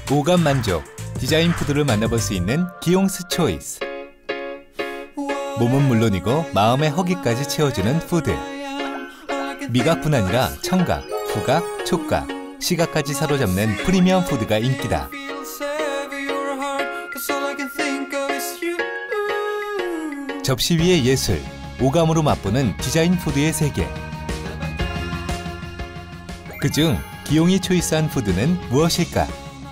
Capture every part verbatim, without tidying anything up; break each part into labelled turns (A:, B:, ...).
A: 오감 만족, 디자인 푸드를 만나볼 수 있는 기용스 초이스. 몸은 물론이고 마음의 허기까지 채워주는 푸드. 미각뿐 아니라 청각, 후각, 촉각, 시각까지 사로잡는 프리미엄 푸드가 인기다. 접시 위의 예술, 오감으로 맛보는 디자인 푸드의 세계. 그중 기용이 초이스한 푸드는 무엇일까?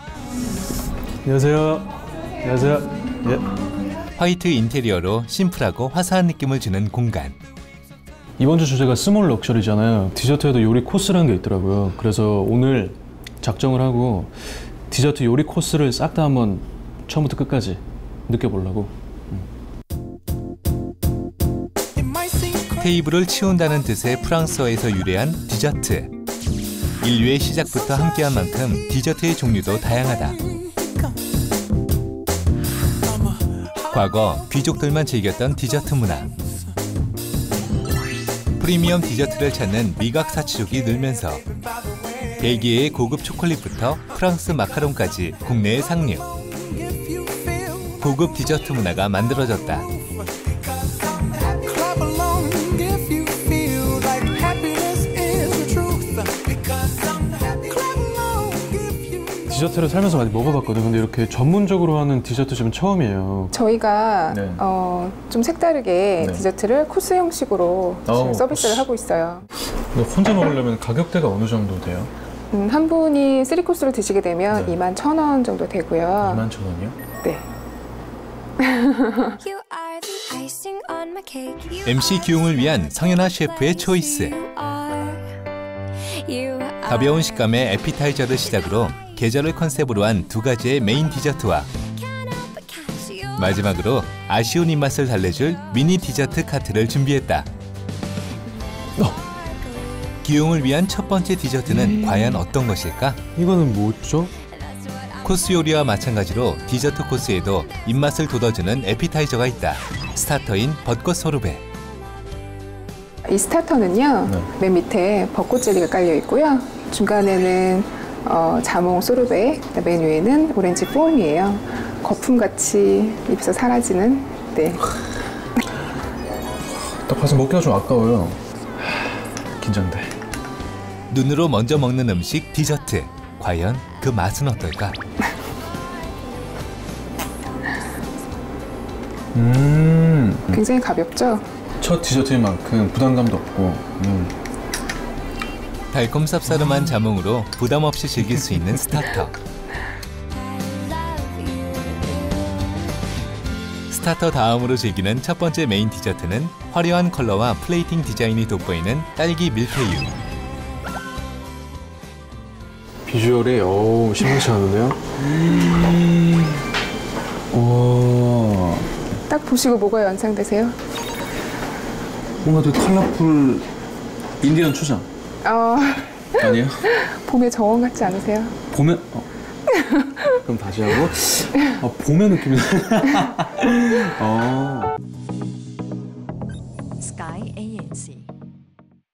B: 안녕하세요. 안녕하세요. 예.
A: 화이트 인테리어로 심플하고 화사한 느낌을 주는 공간.
B: 이번 주 주제가 스몰 럭셔리잖아요. 디저트에도 요리 코스라는 게 있더라고요. 그래서 오늘 작정을 하고 디저트 요리 코스를 싹 다 한번 처음부터 끝까지 느껴보려고.
A: 테이블을 치운다는 뜻의 프랑스어에서 유래한 디저트. 인류의 시작부터 함께한 만큼 디저트의 종류도 다양하다. 과거 귀족들만 즐겼던 디저트 문화. 프리미엄 디저트를 찾는 미각 사치족이 늘면서 벨기에의 고급 초콜릿부터 프랑스 마카롱까지 국내에 상륙. 고급 디저트 문화가 만들어졌다.
B: 디저트를 살면서 많이 먹어봤거든요. 근데 이렇게 전문적으로 하는 디저트집은 처음이에요.
C: 저희가
B: 네.
C: 어, 좀 색다르게
B: 네.
C: 디저트를 코스 형식으로 지금
B: 오,
C: 서비스를
B: 코스.
C: 하고 있어요.
B: 혼자 먹으려면 가격대가 어느 정도 돼요?
C: 음, 한 분이 쓰리 코스를 드시게 되면
B: 네.
C: 이만 천 원 정도 되고요.
B: 이만 천 원이요?
C: 네.
A: 엠씨 기용을 위한 성현아 셰프의 초이스. 가벼운 식감의 에피타이저를 시작으로 계절을 컨셉으로 한 두 가지의 메인 디저트와 마지막으로 아쉬운 입맛을 달래줄 미니 디저트 카트를 준비했다.
B: 어.
A: 기용을 위한 첫 번째 디저트는 음. 과연 어떤 것일까?
B: 이거는 뭐죠?
A: 코스 요리와 마찬가지로 디저트 코스에도 입맛을 돋워주는 에피타이저가 있다. 스타터인 벚꽃 소르베.
C: 이 스타터는요,
B: 네.
C: 맨 밑에 벚꽃 젤리가 깔려 있고요. 중간에는 어, 자몽 소르베, 맨 위에는 오렌지 폼이에요. 거품같이 입에서 사라지는. 네.
B: 딱 봐서 먹기가 좀 아까워요. 긴장돼.
A: 눈으로 먼저 먹는 음식 디저트. 과연 그 맛은 어떨까?
B: 음.
C: 굉장히 가볍죠?
B: 첫 디저트인 만큼 부담감도 없고. 음.
A: 달콤 쌉싸름한 자몽으로 부담 없이 즐길 수 있는 스타터. 스타터 다음으로 즐기는 첫 번째 메인 디저트는 화려한 컬러와 플레이팅 디자인이 돋보이는 딸기 밀푀유.
B: 비주얼이 어우 심상치 않은데요? 음. 오.
C: 딱 보시고 뭐가 연상되세요?
B: 뭔가 되게 컬러풀 인디언 초장.
C: 어,
B: 아니에요?
C: 봄의 정원 같지 않으세요?
B: 봄에 어. 그럼 다시 하고 어, 봄의 느낌이 어.